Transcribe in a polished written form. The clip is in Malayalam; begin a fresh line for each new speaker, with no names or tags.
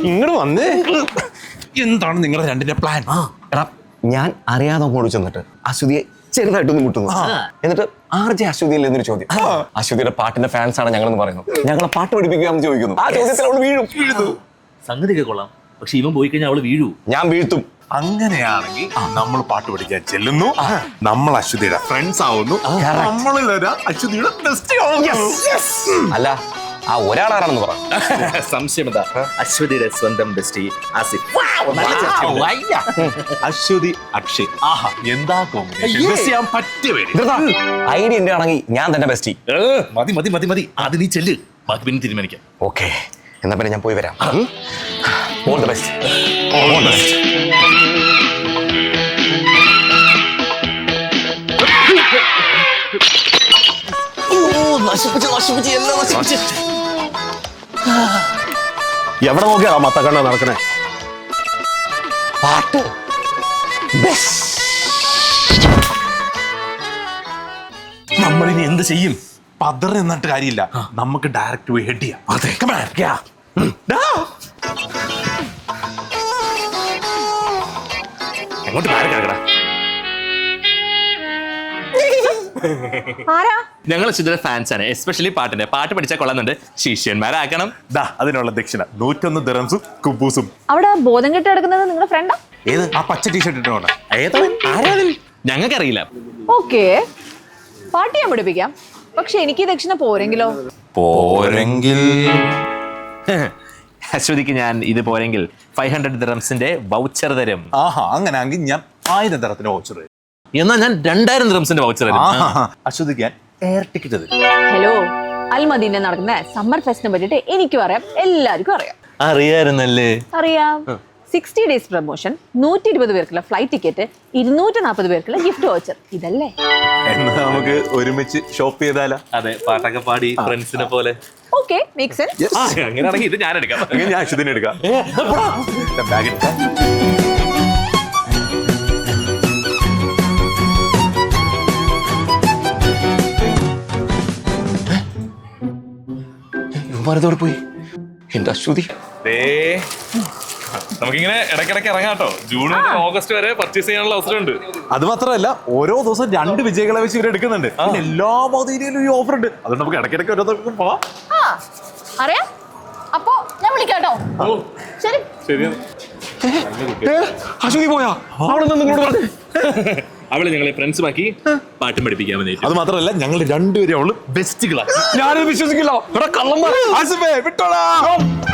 ഇങ്ങോട്ട് വന്നേ. എന്താണ് നിങ്ങളുടെ രണ്ടിന്റെ പ്ലാൻ?
എടാ ഞാൻ അറിയാതെ അങ്ങോട്ട് ചെന്നിട്ട് അശ്വതിയെ ചെറുതായിട്ടൊന്ന് മുട്ടുന്നു. എന്നിട്ട് RJ അശ്വതിയല്ലേ എന്നൊരു ചോദ്യം. അശ്വതിയുടെ പാട്ടിന്റെ ഫാൻസ് ആണ് ഞങ്ങളെന്ന് പറയുന്നു. ഞങ്ങളെ പാട്ട് പഠിപ്പിക്കാമെന്ന് ചോദിക്കുന്നു. ആ ചോദ്യത്തിൽ അവള് വീഴുന്നു.
സംഗതിയൊക്കെ കൊള്ളാം, പക്ഷെ ഇവൻ പോയി കഴിഞ്ഞാൽ അവള് വീഴൂ.
ഞാൻ വീഴ്ത്തും.
അങ്ങനെയാണെങ്കിൽ നമ്മൾ പാട്ട് പഠിക്കാൻ ചെല്ലുന്നു, നമ്മൾ അശ്വതിയുടെ ഫ്രണ്ട്സ് ആവുന്നു, നമ്മളിൽ അശ്വതിയുടെ ബെസ്റ്റ് ആവുന്നു.
അല്ല ആ ഒരാളാരാണെന്ന് പറ.
സംശയമെന്താ? അശ്വതിയുടെ സ്വന്തം ബെസ്റ്റി ആസിഫ്.
അശ്വതി അക്ഷയ്, ആഹാ എന്താ കോമ്പിനേഷൻ. പറ്റിയ പേര്.
ഐഡിയ എന്റെ ആണെങ്കിൽ ഞാൻ തന്നെ ബെസ്റ്റി.
മതി മതി മതി മതി, അത് നീ ചെല്ല്, ബാക്കി പിന്നെ തീരുമാനിക്കാം.
ഓക്കെ, എന്നാ പിന്നെ ഞാൻ പോയി വരാം. All the best. All the best.
എവിടെ നോക്കിയാ മത്തക്കണ്ണ നടക്കണേ?
പാട്ട്
നമ്മളിനി എന്ത് ചെയ്യും? പതർ എന്നിട്ട് കാര്യമില്ല, നമുക്ക് ഡയറക്റ്റ് പോയി ഹെഡ് ചെയ്യാം.
എങ്ങോട്ട് മാറി കിടക്കടാ. ഞങ്ങൾ അശ്വതിയുടെ ഫാൻസ് ആണ്, എസ്പെഷ്യലി പാട്ടിന്റെ. പാട്ട് പഠിച്ചാൽ കൊള്ളുന്നുണ്ട്, ശിഷ്യന്മാരാക്കണം.
അതിനുള്ള ദക്ഷിണ 101 ദിറംസും കുബൂസും.
അവിടെ ബോധം കെട്ട് കിടക്കുന്നത് നിങ്ങളുടെ ഫ്രണ്ടാ?
ഏത്? ആ പച്ച ടീഷർട്ട് ഇട്ടോണ്ട.
ഞങ്ങൾക്കറിയില്ല.
ഓക്കെ, പാട്ട് ഞാൻ പഠിപ്പിക്കാം, പക്ഷെ എനിക്ക് ദക്ഷിണ പോരെങ്കിലോ?
പോരെങ്കിൽ
അശ്വതിക്ക് ഞാൻ ഇത് പോരെങ്കിൽ 500 ദിറംസിന്റെ വൗച്ചർ തരും.
ആഹാ, അങ്ങനെയാണെങ്കിൽ ഞാൻ 1000 ദിറത്തിന് വൗച്ചർ തരും.
എന്നാൽ ഞാൻ 2000 ദിറംസിന്റെ വൗച്ചർ തരും.
അശ്വതിക്ക് ഞാൻ എയർ ടിക്കറ്റ് തരും.
ഹലോ, അൽമദീന നടക്കുന്ന സമ്മർ ഫെസ്റ്റിനെ പറ്റിട്ട് എനിക്കും അറിയാം, എല്ലാവർക്കും അറിയാം.
അറിയാമായിരുന്നല്ലേ?
അറിയാം. 60 ഡേയ്സ് പ്രൊമോഷൻ, 120 പേർക്കുള്ള ഫ്ലൈറ്റ് ടിക്കറ്റ്, 240 പേർക്കുള്ള ഗിഫ്റ്റ് വൗച്ചർ. ഇതല്ലേ?
എന്നാ നമുക്ക് ഒരുമിച്ച് ഷോപ്പ് ചെയ്താലോ?
അതെ, പാട്ടൊക്കെ പാടി ഫ്രണ്ട്സിനെ പോലെ.
Okay, make sense.
അങ്ങനെയാണെങ്കിൽ ഇത് ഞാൻ എടുക്കാം.
ഞാൻ അശ്വതിനെ എടുക്കാം. ബാഗ് എടുക്കാം.
ഇവന്മാരതോടെ പോയി. എന്റെ അശ്വതി.
നമുക്കിങ്ങനെ ഇടയ്ക്കിടയ്ക്ക് ഇറങ്ങാട്ടോ. ജൂൺ മുതൽ ഓഗസ്റ്റ് വരെ പർച്ചേസ് ചെയ്യാനുള്ള അവസരമുണ്ട്.
അത് മാത്രമല്ല, ഓരോ ദിവസം 2 വിജയികളെ വെച്ച് ഇവർ എടുക്കുന്നുണ്ട്. എല്ലാ മദീനയിലും ഈ ഓഫർ ഉണ്ട്. അതുകൊണ്ട് നമുക്ക് ഇടയ്ക്കിടയ്ക്ക് ഓരോ ദിവസം പോവാം.
അറിയാം. അപ്പോ ഞാൻ വിളിക്കാട്ടോ. ശരി.
അശ്വതി പോയാ? അവിടെ നിങ്ങളോട് പറഞ്ഞു.
അവള് ഞങ്ങളെ ഫ്രണ്ട്സ് ബാക്കി പാട്ടും പഠിപ്പിക്കാമെന്ന്.
അത് മാത്രമല്ല, ഞങ്ങൾ രണ്ടുപേരും അവള് ബെസ്റ്റുകളാണ്.
ഞാനത് വിശ്വസിക്കില്ല.
കള്ളന്മാർ. വിട്ടോളാം.